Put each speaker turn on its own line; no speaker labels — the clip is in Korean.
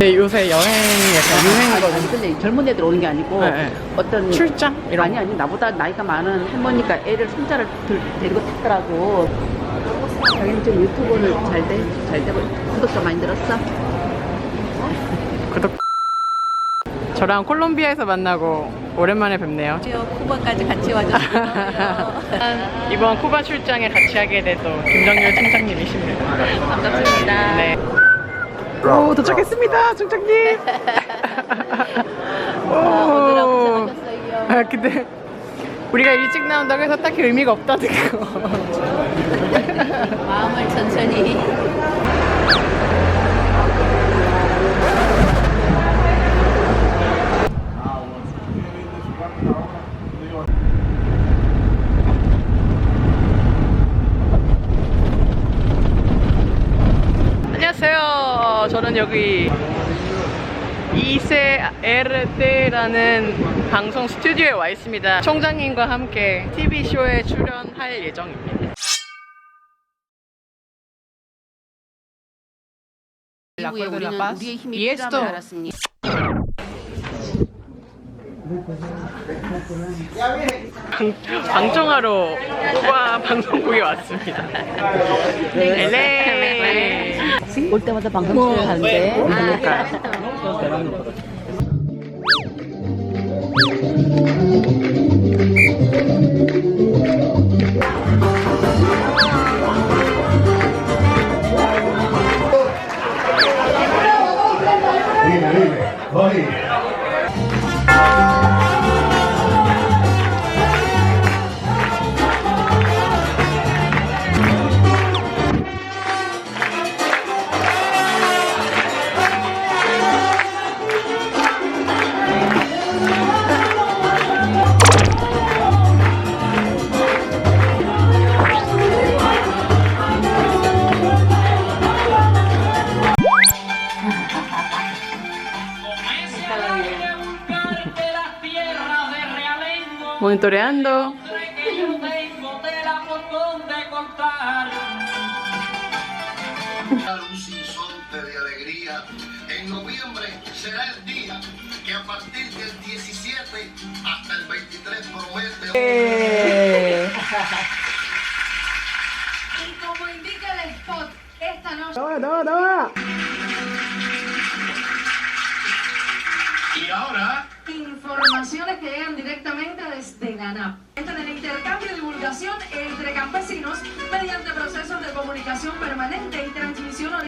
이게 요새 여행 약간 유행이거든요.
아니, 근데 젊은 애들 오는 게 아니고
네.
어떤
출장? 이런
아니 아니 나보다 나이가 많은 할머니가 애를 손자를 데리고 탔더라고. 자기는 좀 유튜브는 잘 되고 구독자 많이 늘었어?
구독. 저랑 콜롬비아에서 만나고 오랜만에 뵙네요.
쿠바까지 같이 와줬어요.
이번 쿠바 출장에 같이 하게 돼도 김정열 총장님이십니다.
반갑습니다.
네. 오, 도착했습니다, 총장님.
오늘하고 고생하셨어요.
아, 근데 우리가 일찍 나온다고 해서 딱히 의미가 없다는 거.
마음을 천천히.
안녕하세요. 저는 여기 이세에르테라는 방송 스튜디오에 와 있습니다. 총장님과 함께 TV쇼에 출연할 예정입니다.
이후에 우리는 우리의 힘이 필요함을 알았습니다.
방송하러 쿠바 방송국에 왔습니다. 엘레.
올 때마다 방송 출연하는데.
그러니까요. Monitoreando.
Un sinsonte de alegría. En noviembre será el día que a partir del 17 hasta el 23 promete.
Y como indica el spot, esta noche
Y ahora.
informaciones que llegan directamente desde la ANAP. En el intercambio y divulgación entre campesinos mediante procesos de comunicación permanente y transmisión